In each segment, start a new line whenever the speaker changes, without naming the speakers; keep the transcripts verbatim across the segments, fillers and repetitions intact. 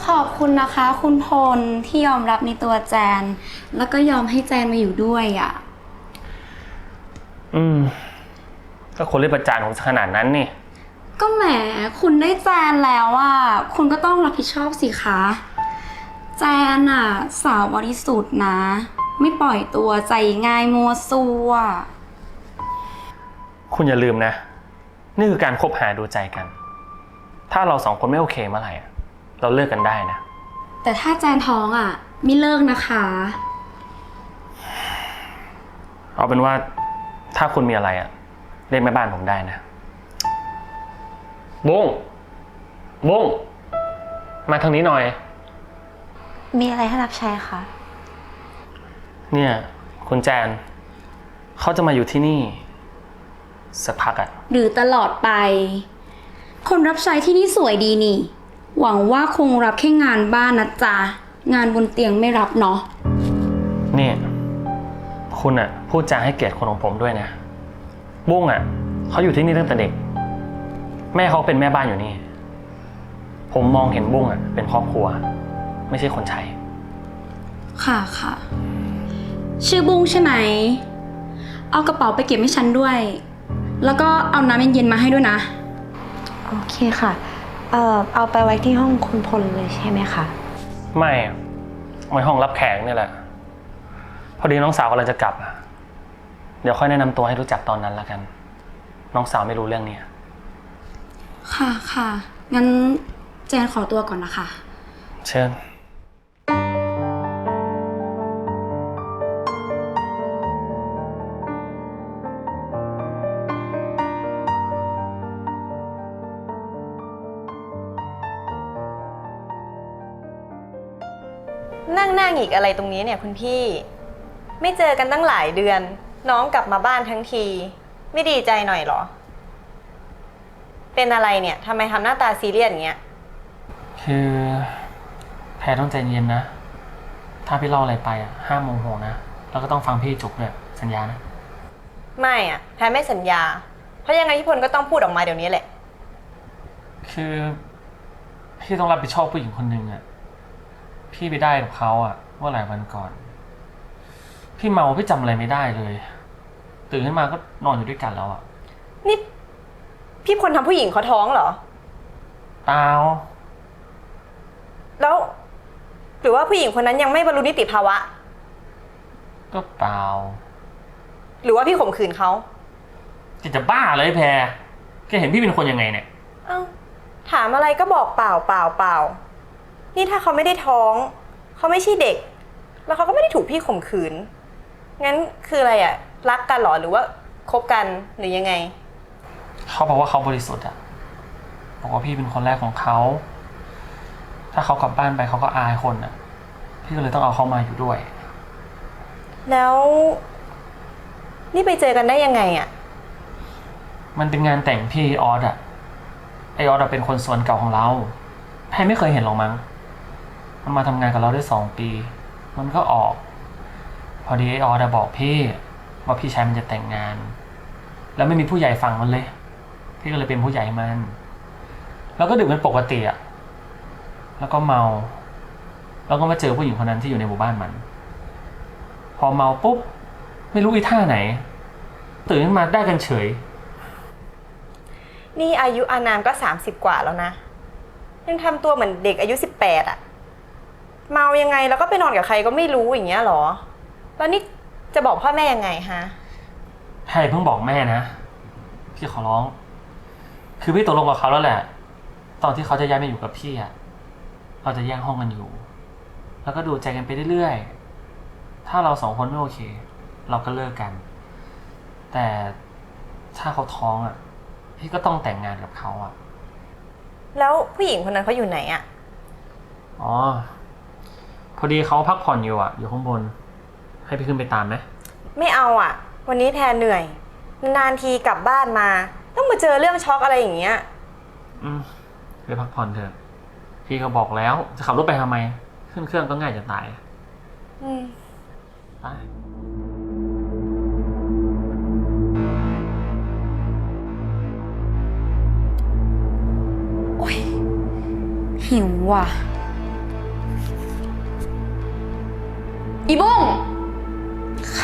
ขอบคุณนะคะคุณพลที่ยอมรับในตัวแจนแล้วก็ยอมให้แจนมาอยู่ด้วยอ่ะ
อืมก็คนเรียกประจานผมขนาดนั้นนี่
ก็แหมคุณได้แจนแล้วอ่ะคุณก็ต้องรับผิดชอบสิคะแจนอ่ะสาวบริสุทธิ์นะไม่ปล่อยตัวใจง่ายมัวซัว
คุณอย่าลืมนะนี่คือการคบหาดูใจกันถ้าเราสองคนไม่โอเคเมื่อไหร่เราเลิกกันได้นะ
แต่ถ้าแจนท้องอ่ะไม่เลิกนะคะ
เอาเป็นว่าถ้าคุณมีอะไรอ่ะเรียกแม่บ้านผมได้นะบุ้งบุ้งมาทางนี้หน่อย
มีอะไรให้รับใช้คะ
เนี่ยคุณแจนเขาจะมาอยู่ที่นี่สักพักอ่ะ
หรือตลอดไปคนรับใช้ที่นี่สวยดีนี่หวังว่าคงรับแค่งานบ้านนะจ๊ะงานบนเตียงไม่รับเนาะ
นี่คุณอ่ะพูดจาให้เกียรติคนของผมด้วยนะบุ้งอ่ะเขาอยู่ที่นี่ตั้งแต่เด็กแม่เขาเป็นแม่บ้านอยู่นี่ผมมองเห็นบุ้งอ่ะเป็นครอบครัวไม่ใช่คนใช้
ค่ะค่ะชื่อบุ้งใช่ไหมเอากระเป๋าไปเก็บให้ฉันด้วยแล้วก็เอาน้ำเย็นๆมาให้ด้วยนะ
โอเคค่ะเอ่อเอาไปไว้ที่ห้องคุณพลเลยใช่ไหมคะ
ไม่ไว้ห้องรับแขกนี่แหละพอดีน้องสาวกำลังจะกลับเดี๋ยวค่อยแนะนำตัวให้รู้จักตอนนั้นละกันน้องสาวไม่รู้เรื่องนี้
ค่ะค่ะงั้นแจนขอตัวก่อนนะคะ
เชิญ
นั่งหน้าหงิกอะไรตรงนี้เนี่ยคุณพี่ไม่เจอกันตั้งหลายเดือนน้องกลับมาบ้านทั้งทีไม่ดีใจหน่อยเหรอเป็นอะไรเนี่ยทำไมทำหน้าตาซีเรียสอย่างเงี้ย
คือแพรต้องใจเย็นนะถ้าพี่เล่าอะไรไปอ่ะห้ามโมโหนะแล้วก็ต้องฟังพี่จุกด้วยสัญญานะ
ไม่อ่ะแพรไม่สัญญาเพราะยังไงพี่พลก็ต้องพูดออกมาเดี๋ยวนี้แหละ
คือพี่ต้องรับผิดชอบผู้หญิงคนหนึ่งอ่ะพี่ไปได้กับเขาอ่ะเมื่อหลายวันก่อนพี่เมาพี่จำอะไรไม่ได้เลยตื่นขึ้นมาก็นอนอยู่ด้วยกันแล้วอ่ะ
นี่พี่พลทำผู้หญิงเขาท้องเหรอ
เปล่า
แล้วหรือว่าผู้หญิงคนนั้นยังไม่บรรลุนิติภาวะ
ก็เปล่า
หรือว่าพี่ข่มขืนเขา
จะจะบ้าเลยแพรแกเห็นพี่เป็นคนยังไงเนี่ย
เอ้าถามอะไรก็บอกเปล่าเปล่าเปล่านี่ถ้าเขาไม่ได้ท้องเขาไม่ใช่เด็กแล้วเขาก็ไม่ได้ถูกพี่ข่มขืนงั้นคืออะไรอะรักกันหรอหรือว่าคบกันหรือยังไง
เขาบอกว่าเขาบริสุทธิ์อะบอกว่าพี่เป็นคนแรกของเขาถ้าเขากลับบ้านไปเขาก็อายคนอะพี่ก็เลยต้องเอาเขามาอยู่ด้วย
แล้วนี่ไปเจอกันได้ยังไงอะ
มันเป็นงานแต่งพี่ออสอะไอออสเป็นคนส่วนเก่าของเราแพรไม่เคยเห็นหรอกมั้งมันมาทำงานกับเราได้สองปีมันก็ออกพอดีไอออสบอกพี่ว่าพี่ชายมันจะแต่งงานแล้วไม่มีผู้ใหญ่ฟังมันเลยพี่ก็เลยเป็นผู้ใหญ่มันแล้วก็ดื่มเป็นปกติอะแล้วก็เมาแล้วก็มาเจอผู้หญิงคนนั้นที่อยู่ในหมู่บ้านมันพอเมาปุ๊บไม่รู้อีท่าไหนตื่นขึ้นมาได้กันเฉย
นี่อายุอานามก็สามสิบกว่าแล้วนะยังทำตัวเหมือนเด็กอายุสิบแปดอะเมายังไงแล้วก็ไปนอนกับใครก็ไม่รู้อย่างเงี้ยหรอแล้วนี่จะบอกพ่อแม่ยังไงฮะ
แพรเพิ่งบอกแม่นะพี่ขอร้องคือพี่ตกลงกับเขาแล้วแหละตอนที่เขาจะย้ายมาอยู่กับพี่อะเราจะแยกห้องกันอยู่แล้วก็ดูใจกันไปเรื่อยๆถ้าเราสองคนไม่โอเคเราก็เลิกกันแต่ถ้าเขาท้องอะพี่ก็ต้องแต่งงานกับเขาอะ
แล้วผู้หญิงคนนั้นเขาอยู่ไหนอะ
อ๋อพอดีเขาพักผ่อนอยู่อะอยู่ข้างบนให้พี่ขึ้นไปตามไหม
ไม่เอาอะวันนี้แพรเหนื่อยนานทีกลับบ้านมาต้องมาเจอเรื่องช็อกอะไรอย่างเงี้ย
อืมไปพักผ่อนเถอะพี่ก็บอกแล้วจะขับรถไปทำไมขึ้นเครื่องก็ง่ายจะตาย
อืม
ไป
โอ๊ยหิวว่ะอีบุ้ง
คะ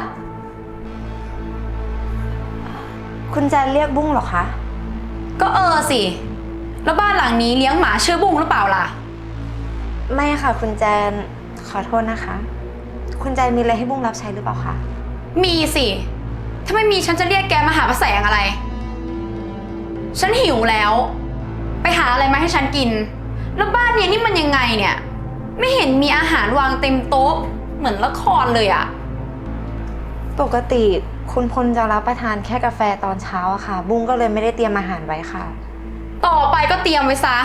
คุณแจนเรียกบุ้งเหรอคะ
ก็เออสิ แล้วบ้านหลังนี้เลี้ยงหมาชื่อบุ้งหรือเปล่าล่ะ
ไม่ค่ะคุณแจน ขอโทษนะคะ คุณแจนมีอะไรให้บุ้งรับใช้หรือเปล่าคะ
มีสิ ถ้าไม่มีฉันจะเรียกแกมาหาพระแสงอะไร ฉันหิวแล้ว ไปหาอะไรมาให้ฉันกิน แล้วบ้านเนี้ยนี่มันยังไงเนี่ย ไม่เห็นมีอาหารวางเต็มโต๊ะ เหมือนละครเลยอะ
ปกติคุณพลจะรับประทานแค่กาแฟตอนเช้าอะค่ะ บุ้งก็เลยไม่ได้เตรียมอาหารไว้ค่ะ
ต่อไปก็เตรียมไว้ซะ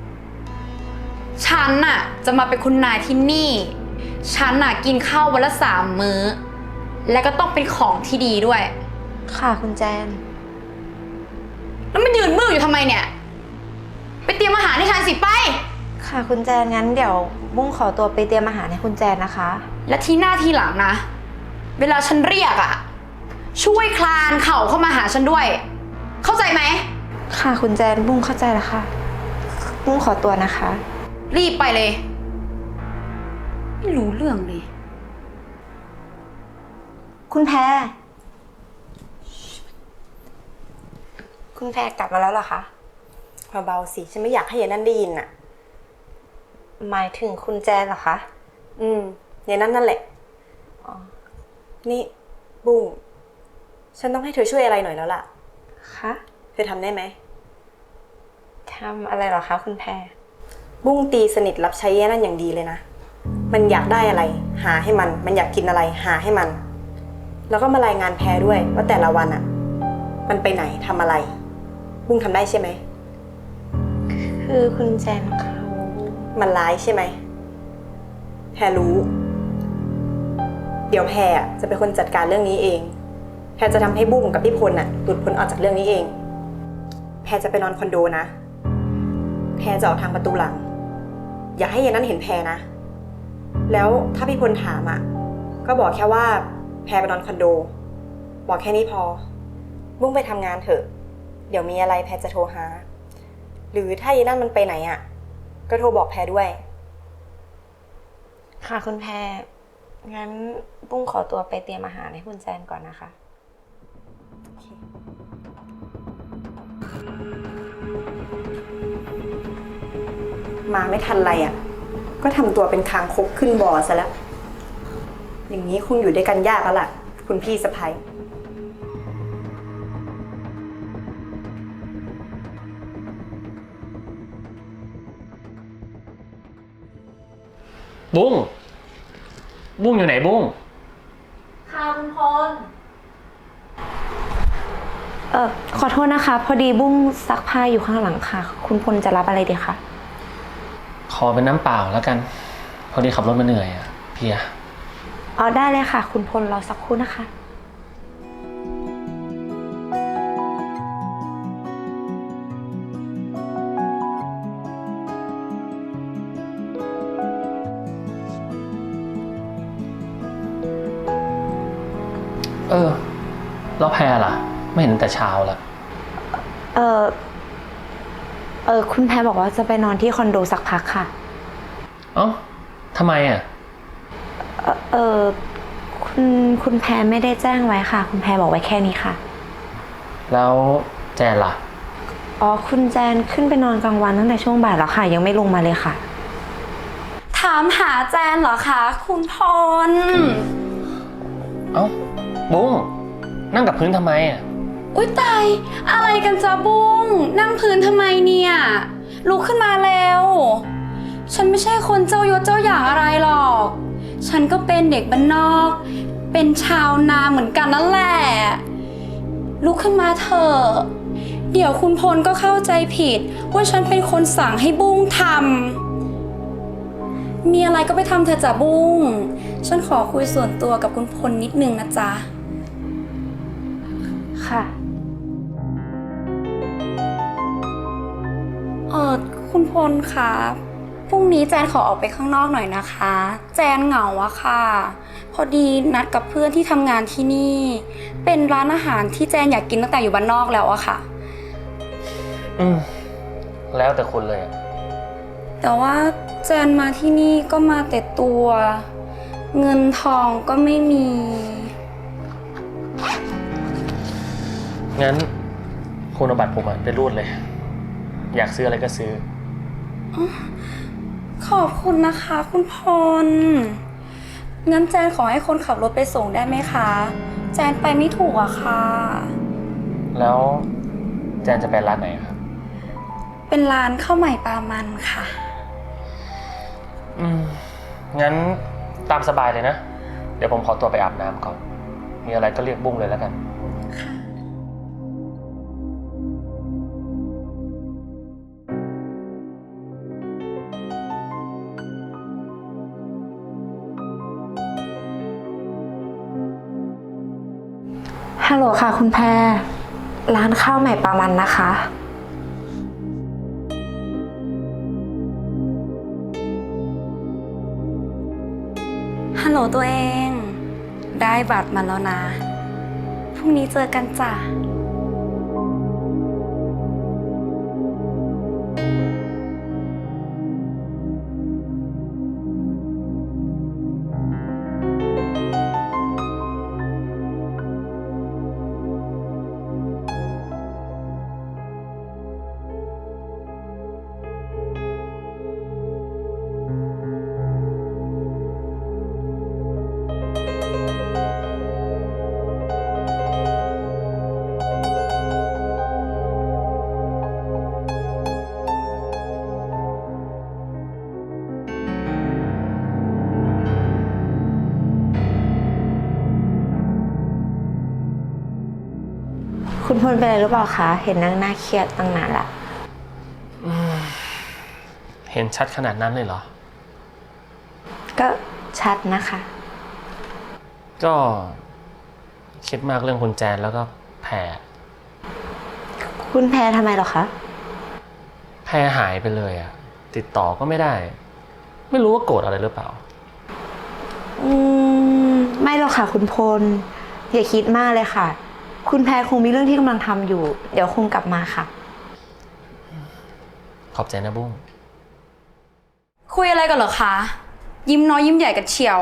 ฉันน่ะจะมาเป็นคุณนายที่นี่ ฉันน่ะกินข้าววันละสามมื้อ และก็ต้องเป็นของที่ดีด้วย
ค่ะคุณแจน
แล้วมันยืนมืออยู่ทำไมเนี่ย ไปเตรียมอาหารให้ฉันสิไป
ค่ะคุณแจนงั้นเดี๋ยวบุ้งขอตัวไปเตรียมอาหารให้คุณแจนนะคะ
และที่หน้าที่หลังนะ เวลาฉันเรียกอะช่วยคลานเข่าเข้ามาหาฉันด้วย เข้าใจไหม
ค่ะคุณแจนบุ้งเข้าใจแล้วค่ะ บุ้งขอตัวนะคะ
รีบไปเลย ไม่รู้เรื่องเลย
คุณแพร คุณแพรกลับมาแล้วเหรอคะ
เบาๆสิ ฉันไม่อยากให้ยายนั่นได้ยินอ่ะ
หมายถึงคุณแจนเหรอคะ
อืมยายนั่นนั่นแหละ
อ๋อ
นี่บุ้ง ฉันต้องให้เธอช่วยอะไรหน่อยแล้วล่ะ
คะ
เธอทำได้ไหม
ทำอะไรเหรอคะคุณแพร
บุ้งตีสนิทรับใช้ยายนั่นอย่างดีเลยนะ มันอยากได้อะไร หาให้มัน มันอยากกินอะไร หาให้มัน แล้วก็มารายงานแพรด้วยว่าแต่ละวันอ่ะ มันไปไหนทำอะไร บุ้งทำได้ใช่ไหม
คือคุณแจนเขา
มันร้ายใช่ไหม แพรรู้ เดี๋ยวแพรอะจะเป็นคนจัดการเรื่องนี้เอง แพรจะทำให้บุ้งกับพี่พลน่ะหลุดพ้นออกจากเรื่องนี้เอง แพรจะไปนอนคอนโดนะ แพรจะออกทางประตูหลัง อย่าให้ยายนั่นเห็นแพรนะ แล้วถ้าพี่พลถามอ่ะ ก็บอกแค่ว่าแพรไปนอนคอนโด บอกแค่นี้พอ บุ้งไปทำงานเถอะ เดี๋ยวมีอะไรแพรจะโทรหา หรือถ้ายายนั่นมันไปไหนอ่ะ ก็โทรบอกแพรด้วย
ค่ะคุณแพร งั้นบุ้งขอตัวไปเตรียมอาหารให้คุณแจนก่อนนะคะ
มาไม่ทันไรอ่ะ ก็ทำตัวเป็นคางคกขึ้นบ่อซะแล้ว อย่างนี้คงอยู่ด้วยกันยากแล้วล่ะ คุณพี่สะใภ้
บุ้ง บุ้งอยู่ไหนบุ้ง
ค่ะคุณพล
เออขอโทษนะคะ พอดีบุ้งซักผ้าอยู่ข้างหลังค่ะ คุณพลจะรับอะไรดีคะ
ขอเป็นน้ำเปล่าแล้วกัน พอดีขับรถมาเหนื่อยอะเพลีย
อ๋อได้เลยค่ะ คุณพลรอสักครู่นะคะ
เออ แล้วแพรล่ะ ไม่เห็นแต่เช้าละ
เออเออคุณแพรบอกว่าจะไปนอนที่คอนโดสักพักค่ะ
เอ้าทำไมอะ
เออเออคุณคุณแพรไม่ได้แจ้งไว้ค่ะ คุณแพรบอกไว้แค่นี้ค่ะ
แล้วแจนล่ะ
อ๋อคุณแจนขึ้นไปนอนกลางวันตั้งแต่ช่วงบ่ายแล้วค่ะ ยังไม่ลงมาเลยค่ะ
ถามหาแจนเหรอคะ คุณพล
เอ้า บุ้ง นั่งกับพื้นทำไมอะ
อุ๊ยตาย อะไรกันจ้าบุ้ง นั่งพื้นทำไมเนี่ย ลุกขึ้นมาแล้ว ฉันไม่ใช่คนเจ้ายศเจ้าอย่างอะไรหรอก ฉันก็เป็นเด็กบ้านนอก เป็นชาวนาเหมือนกันนั่นแหละ ลุกขึ้นมาเถอะ เดี๋ยวคุณพลก็เข้าใจผิดว่าฉันเป็นคนสั่งให้บุ้งทำ มีอะไรก็ไปทำเถอะจ้ะบุ้ง ฉันขอคุยส่วนตัวกับคุณพลนิดนึงนะจ๊ะ
ค่ะ
เออคุณพลคะพรุ่งนี้แจนขอออกไปข้างนอกหน่อยนะคะ แจนเหงาอะค่ะ พอดีนัดกับเพื่อนที่ทำงานที่นี่ เป็นร้านอาหารที่แจนอยากกินตั้งแต่อยู่บ้านนอกแล้วอะค่ะ
อืม แล้วแต่คุณเลยอะ
แต่ว่าแจนมาที่นี่ก็มาแต่ตัวเงินทองก็ไม่มี
งั้นคุณเอาบัตรผมอะไปรูดเลย อยากซื้ออะไรก็ซื้อ
ขอบคุณนะคะคุณพล งั้นแจนขอให้คนขับรถไปส่งได้ไหมคะ แจนไปไม่ถูกอะค่ะ
แล้วแจนจะไปร้านไหนครับ
เป็นร้านข้าวใหม่ปลามันค่ะ
อืม งั้นตามสบายเลยนะ เดี๋ยวผมขอตัวไปอาบน้ำก่อน มีอะไรก็เรียกบุ้งเลยแล้วกัน
ฮัลโหลค่ะคุณแพร ร้านข้าวใหม่ปลามันนะคะ
ฮัลโหลตัวเอง ได้บัตรมาแล้วนะ พรุ่งนี้เจอกันจ้ะ
คุณพลเป็นอะไรหรือเปล่าคะ เห็นนั่งหน้าเครียดตั้งนานละ
เห็นชัดขนาดนั้นเลยเหรอ
ก็ชัดนะคะ
ก็คิดมากเรื่องคุณแจนแล้วก็แพร
คุณแพรทำไมหรอคะ
แพรหายไปเลยอะติดต่อก็ไม่ได้ ไม่รู้ว่าโกรธอะไรหรือเปล่า
อืม ไม่หรอกค่ะคุณพล อย่าคิดมากเลยค่ะ คุณแพรคงมีเรื่องที่กำลังทำอยู่ เดี๋ยวคงกลับมาค่ะ
ขอบใจนะบุ้ง
คุยอะไรกันเหรอคะ ยิ้มน้อยยิ้มใหญ่กันเชียว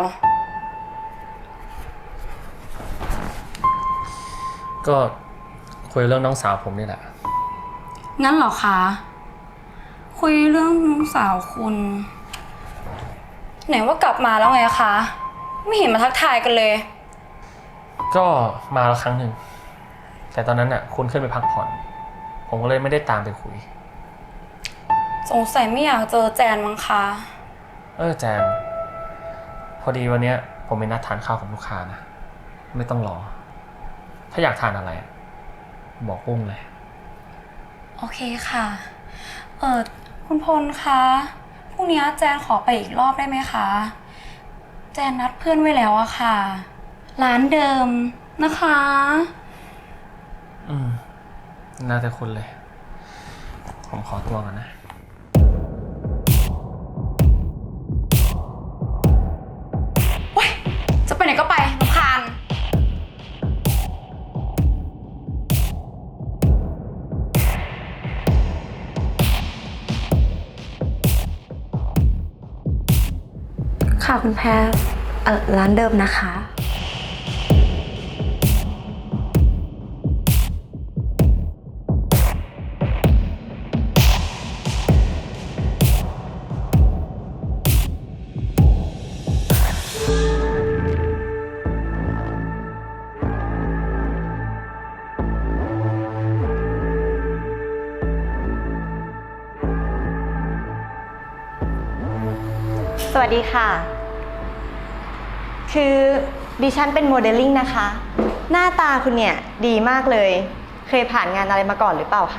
ก็คุยเรื่องน้องสาวผมนี่แหละ
งั้นเหรอคะ คุยเรื่องน้องสาวคุณ ไหนว่ากลับมาแล้วไงคะ ไม่เห็นมาทักทายกันเลย
ก็มาแล้วครั้งหนึ่ง แต่ตอนนั้นน่ะคุณขึ้นไปพักผ่อน ผมก็เลยไม่ได้ตามไปคุย
สงสัยไม่อยากเจอแจนมั้งคะ
เออแจน พอดีวันเนี้ยผมมีนัดทานข้าวกับลูกค้านะ ไม่ต้องรอ ถ้าอยากทานอะไรอะบอกปุ้งเลย
โอเคค่ะ เออคุณพลคะ พรุ่งนี้แจนขอไปอีกรอบได้ไหมคะ แจนนัดเพื่อนไว้แล้วอะค่ะ ร้านเดิมนะคะ
อืม น่าจะคุณเลย ผมขอตัวก่อนนะ
จะไปไหนก็ไปรำคาญ
ค่ะคุณแพรเอ่อร้านเดิมนะคะ
สวัสดีค่ะ คือดิฉันเป็นโมเดลลิ่งนะคะ หน้าตาคุณเนี่ยดีมากเลย เคยผ่านงานอะไรมาก่อนหรือเปล่าคะ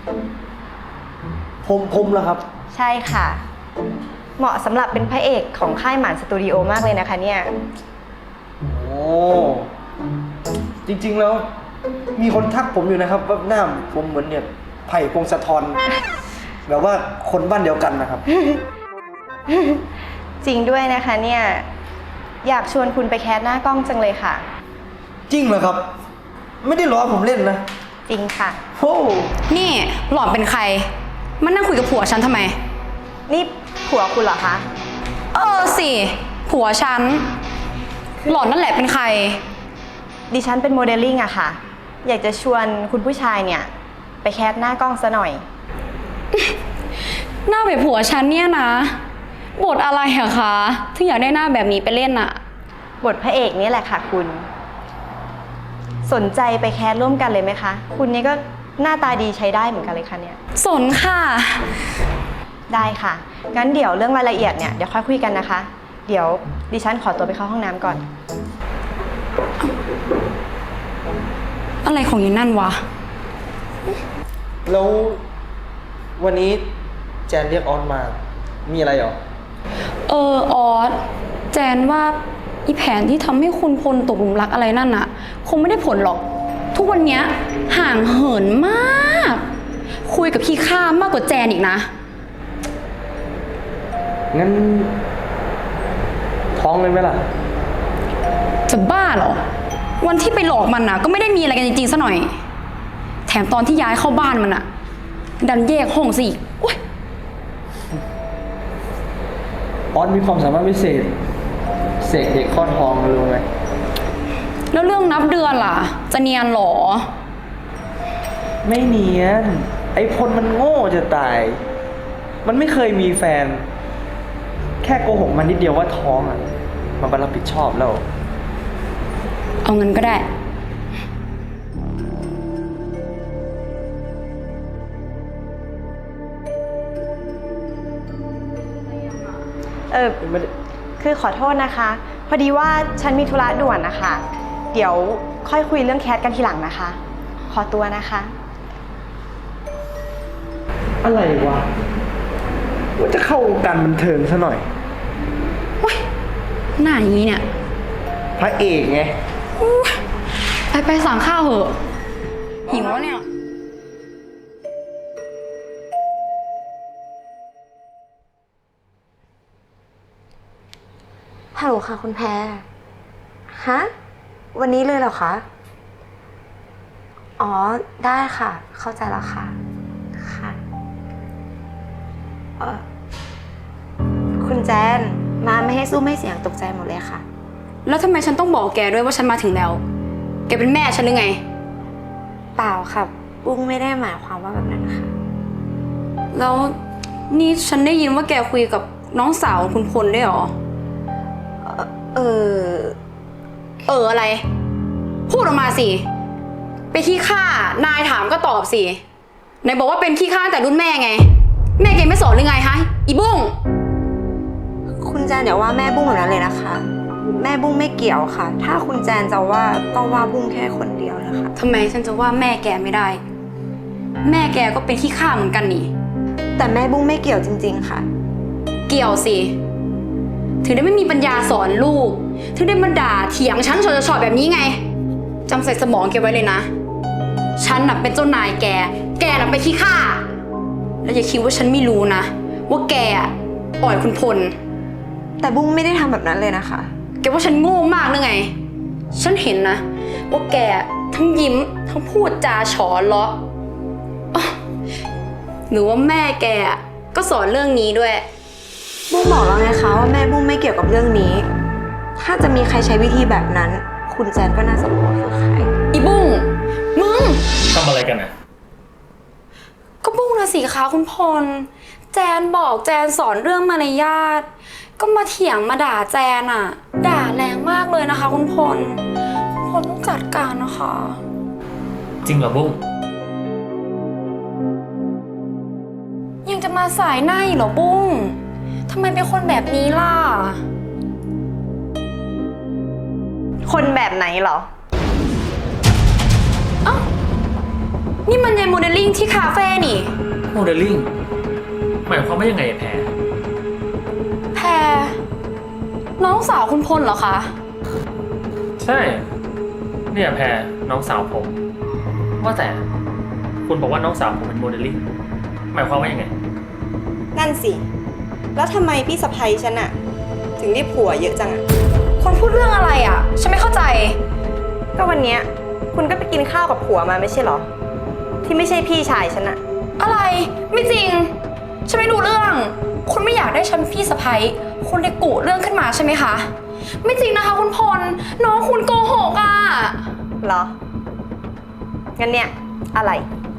ผมผมเหรอครับ
ใช่ค่ะ เหมาะสำหรับเป็นพระเอกของค่ายหมานสตูดิโอมากเลยนะคะเนี่ย
โอ้จริงๆแล้ว มีคนทักผมอยู่นะครับว่าหน้าผมเหมือนเนี่ยไผ่พงศธร แบบว่าคนบ้านเดียวกันนะครับ
จริงด้วยนะคะเนี่ยอยากชวนคุณไปแคสหน้ากล้องจังเลยค่ะ
จริงเหรอครับ ไม่ได้ล้อผมเล่นนะ
จริงค่ะ
โอ้
นี่หล่อนเป็นใคร มานั่งคุยกับผัวฉันทำไม
นี่ผัวคุณเหรอคะ
เออสิ ผัวฉันหล่อนนั่นแหละเป็นใคร
ดิฉันเป็นโมเดลลิ่งอะค่ะ อยากจะชวนคุณผู้ชายเนี่ย ไปแคสหน้ากล้องซะหน่อย
หน้าแบบผัวฉันเนี่ยนะบทอะไรอะคะถึงอยากได้หน้าแบบนี้ไปเล่นอะ
บทพระเอกนี่แหละค่ะคุณ สนใจไปแคสร่วมกันเลยไหมคะ คุณนี่ก็หน้าตาดีใช้ได้เหมือนกันเลยค่ะเนี่ย
สนค่ะ
ได้ค่ะ งั้นเดี๋ยวเรื่องรายละเอียดเนี่ยเดี๋ยวค่อยคุยกันนะคะ เดี๋ยวดิฉันขอตัวไปเข้าห้องน้ำก่อน
อะไรของยีนั่นวะ
แล้ววันนี้แจนเรียกออนมา มีอะไรเหรอ
เออออสแจนว่าอีแผนที่ทำให้คุณพลตกหลุมรักอะไรนั่นอะคงไม่ได้ผลหรอก ทุกวันเนี้ยห่างเหินมาก คุยกับพี่ข้ามากกว่าแจนอีกนะ
งั้น ท้องเลยไหมล่ะ
จะบ้าเหรอ วันที่ไปหลอกมันนะก็ไม่ได้มีอะไรกันจริงๆซะหน่อย แถมตอนที่ย้ายเข้าบ้านมันอะดันแยกห้องซะอีกโอ๊ย
ออนมีความสามารถพิเศษ เสกเด็กคลอดทองรู้ไหม
แล้วเรื่องนับเดือนล่ะ จะเนียนเหรอ
ไม่เนียน ไอ้พลมันโง่จะตาย มันไม่เคยมีแฟน แค่โกหกมันนิดเดียวว่าท้องอ่ะ มันก็รับผิดชอบแล้ว
เอาเงินก็ได้
เออ
ไม่ได้
คือขอโทษนะคะ พอดีว่าฉันมีธุระด่วนนะคะ เดี๋ยวค่อยคุยเรื่องแคสกันทีหลังนะคะ ขอตัวนะคะ
อะไรวะ ว่าจะเข้าวงการบันเทิงซะหน่อย
หน้าอย่างนี้เนี่ย
พระเอกไง
ไปไปสั่งข้าวเหอะ หิวแล้วเนี่ย
ฮัลโหลค่ะคุณแพร ฮะ วันนี้เลยเหรอคะ อ๋อ ได้ค่ะ เข้าใจแล้วค่ะ ค่ะเออคุณแจน มาไม่ให้สู้ไม่เสียงตกใจหมดเลยค่ะ
แล้วทำไมฉันต้องบอกแกด้วยว่าฉันมาถึงแล้ว แกเป็นแม่ฉันหรือไง
เปล่าค่ะปุ้งไม่ได้หมายความว่าแบบนั้นค่ะ
แล้วนี่ฉันได้ยินว่าแกคุยกับน้องสาวคุณพลด้วยเหรอ
เออ
เอออะไร พูดออกมาสิ ไปขี้ข้านายถามก็ตอบสิไหนบอกว่าเป็นขี้ข้าตั้งแต่รุ่นแม่ไง แม่แกไม่สอนหรือไงฮะอีบุ้ง
คุณแจนอย่าว่าแม่บุ้งแบบนั้นเลยนะคะ แม่บุ้งไม่เกี่ยวค่ะ ถ้าคุณแจนจะว่าก็ว่าบุ้งแค่คนเดียวนะคะ
ทำไมฉันจะว่าแม่แกไม่ได้ แม่แกก็เป็นขี้ข้าเหมือนกันนี่
แต่แม่บุ้งไม่เกี่ยวจริง ๆ ค่ะ
เกี่ยวสิ ถึงได้ไม่มีปัญญาสอนลูก ถึงได้มาด่าเถียงฉันชอๆแบบนี้ไงจำใส่สมองแกไว้เลยนะ ฉันน่ะเป็นเจ้านายแก แกน่ะเป็นขี้ข้าแล้วอย่าคิดว่าฉันไม่รู้นะ ว่าแกอะอ่อยคุณพล
แต่บุ้งไม่ได้ทำแบบนั้นเลยนะคะ
แกว่าฉันโง่มากหรือไง ฉันเห็นนะ ว่าแกทั้งยิ้มทั้งพูดจาฉอเลาะอ๊ะหรือว่าแม่แกก็สอนเรื่องนี้ด้วย
บุ้งบอกแล้วไงคะว่าแม่บุ้งไม่เกี่ยวกับเรื่องนี้ ถ้าจะมีใครใช้วิธีแบบนั้น คุณแจนก็น่าจะรู้ว่าคือใคร
อีบุ้งมึง
ทำอะไรกันอ่ะ
ก็บุ้งนะสิคะคุณพล แจนบอกแจนสอนเรื่องมารยาทก็มาเถียงมาด่าแจนอะด่าแรงมากเลยนะคะ คุณพลคุณพลต้องจัดการนะคะ
จริงเหรอบุ้ง
ยังจะมาสายหน้าอีกเหรอบุ้งทำไมเป็นคนแบบนี้ล่ะ
คนแบบไหนเหรอ
เอ้านี่มันยายโมเดลลิ่งที่คาเฟ่นี่
โมเดลลิ่ง หมายความว่ายังไงแพร
แพรน้องสาวคุณพลเหรอคะ
ใช่ เนี่ยแพรน้องสาวผม ว่าแต่ คุณบอกว่าน้องสาวผมเป็นโมเดลลิ่ง หมายความว่ายังไง
นั่นสิ แล้วทำไมพี่สะใภ้ฉันอะถึงได้ผัวเยอะจังอะ
คนพูดเรื่องอะไรอ่ะ ฉันไม่เข้าใจ
ก็วันเนี้ยคุณก็ไปกินข้าวกับผัวมาไม่ใช่เหรอ ที่ไม่ใช่พี่ชายฉันอะ
อะไร ไม่จริง ฉันไม่รู้เรื่อง คุณไม่อยากได้ฉันพี่สะใภ้คุณเลยกุเรื่องขึ้นมาใช่ไหมคะไม่จริงนะคะคุณพล น้องคุณโกหกอ่ะ
เหรอ งั้นเนี่ย อะไร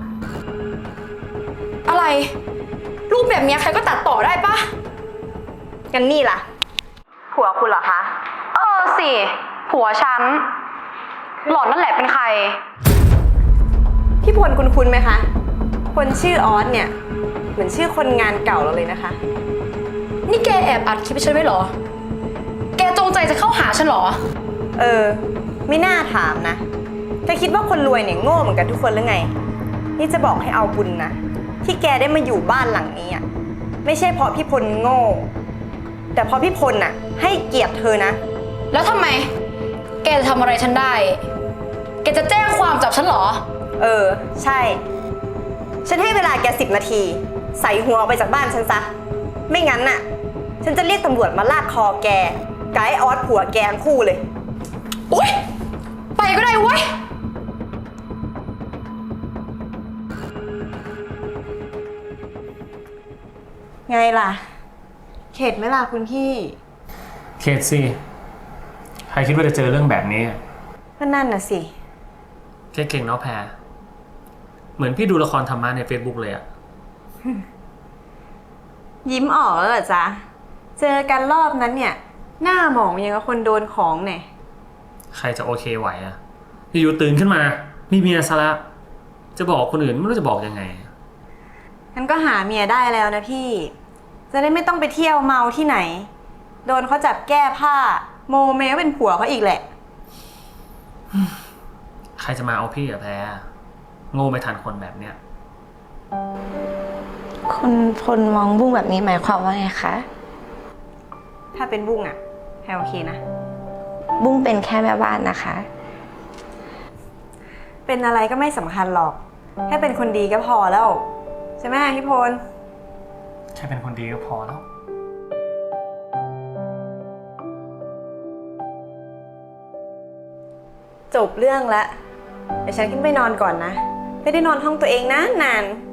อะไร รูปแบบเนี้ยใครก็ตัดต่อได้ปะ
งั้นนี่ล่ะ ผัวคุณเหรอคะ
เออสิ ผัวฉัน หล่อนนั่นแหละเป็นใคร
พี่พลคุณคุณไหมคะ คนชื่อออสเนี่ย เหมือนชื่อคนงานเก่าเราเลยนะคะ
นี่แกแอบอัดคลิปฉันไว้เหรอ แกจงใจจะเข้าหาฉันเหรอ
เออ ไม่น่าถามนะแกคิดว่าคนรวยเนี่ยโง่เหมือนกันทุกคนหรือไง นี่จะบอกให้เอาบุญนะ ที่แกได้มาอยู่บ้านหลังนี้อ่ะ ไม่ใช่เพราะพี่พลโง่ แต่เพราะพี่พลน่ะ ให้เกียรติเธอนะ
แล้วทำไม แกจะทำอะไรฉันได้ แกจะแจ้งความจับฉันเหรอ
เออ ใช่ ฉันให้เวลาแกสิบนาที ใส่หัวออกไปจากบ้านฉันซะ ไม่งั้นน่ะ ฉันจะเรียกตำรวจมาลากคอแกกับไอ้ออสผัวแกทั้งคู่เลย
โอ๊ย ไปก็ได้เว้ย
ไงล่ะ เข็ดไหมล่ะคุณพี่
เคสซี่ใครคิดว่าจะเจอเรื่องแบบนี้
ก็นั่นน่ะสิ
แค่เก่งเนาะแพรเหมือนพี่ดูละครธรรมะใน Facebook เลยอะ
ยิ้มออกแล้วเหรอจ๊ะ เจอกันรอบนั้นเนี่ย หน้าหมองยังกับคนโดนของเนี่ย
ใครจะโอเคไหวอะอยู่ๆตื่นขึ้นมา มีเมียซะละจะบอกคนอื่นไม่รู้จะบอกยังไง
งั้นก็หาเมียได้แล้วนะพี่ จะได้ไม่ต้องไปเที่ยวเมาที่ไหน โดนเขาจับแก้ผ้า โมเมก็เป็นผัวเขาอีกแหละ
ใครจะมาเอาพี่อะแพรโง่ไม่ทันคนแบบเนี้ย
คุณพลมองบุ้งแบบนี้หมายความว่าไงคะ
ถ้าเป็นบุ้งอะแพรโอเคนะ
บุ้งเป็นแค่แม่บ้านนะคะ
เป็นอะไรก็ไม่สำคัญหรอก แค่เป็นคนดีก็พอแล้ว ใช่ไหมพี่พล
แค่เป็นคนดีก็พอแล้ว
จบเรื่องแล้ว เดี๋ยวฉันขึ้นไปนอนก่อนนะ ไม่ได้นอนห้องตัวเองนะนานๆ